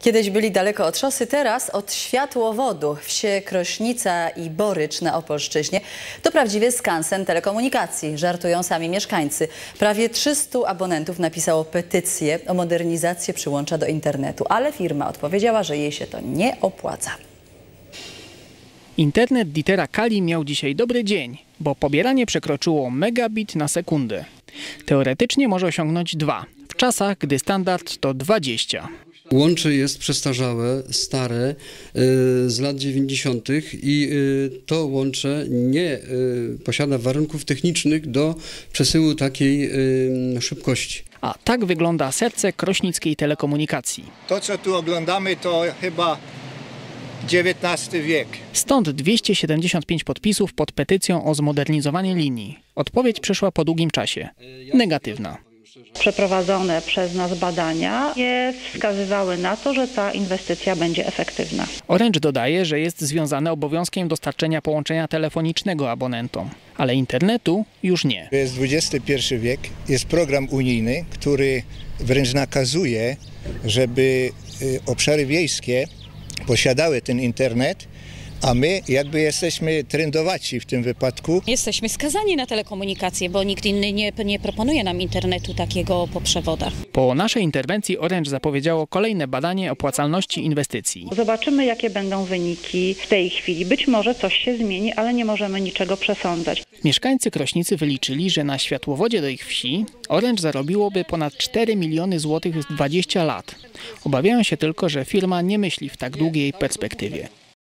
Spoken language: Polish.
Kiedyś byli daleko od szosy, teraz od światłowodu. Wsie Krośnica i Borycz na Opolszczyźnie to prawdziwie skansen telekomunikacji, żartują sami mieszkańcy. Prawie 300 abonentów napisało petycję o modernizację przyłącza do internetu, ale firma odpowiedziała, że jej się to nie opłaca. Internet Dietera Kali miał dzisiaj dobry dzień, bo pobieranie przekroczyło megabit na sekundę. Teoretycznie może osiągnąć 2, w czasach, gdy standard to 20. Łącze jest przestarzałe, stare, z lat 90. i to łącze nie posiada warunków technicznych do przesyłu takiej szybkości. A tak wygląda serce krośnickiej telekomunikacji. To, co tu oglądamy, to chyba XIX wiek. Stąd 275 podpisów pod petycją o zmodernizowanie linii. Odpowiedź przyszła po długim czasie. Negatywna. Przeprowadzone przez nas badania nie wskazywały na to, że ta inwestycja będzie efektywna. Orange dodaje, że jest związane obowiązkiem dostarczenia połączenia telefonicznego abonentom, ale internetu już nie. To jest XXI wiek, jest program unijny, który wręcz nakazuje, żeby obszary wiejskie posiadały ten internet, a my jakby jesteśmy trendowaci w tym wypadku. Jesteśmy skazani na telekomunikację, bo nikt inny nie proponuje nam internetu takiego po przewodach. Po naszej interwencji Orange zapowiedziało kolejne badanie opłacalności inwestycji. Zobaczymy, jakie będą wyniki w tej chwili. Być może coś się zmieni, ale nie możemy niczego przesądzać. Mieszkańcy Krośnicy wyliczyli, że na światłowodzie do ich wsi Orange zarobiłoby ponad 4 miliony złotych w 20 lat. Obawiają się tylko, że firma nie myśli w tak długiej perspektywie.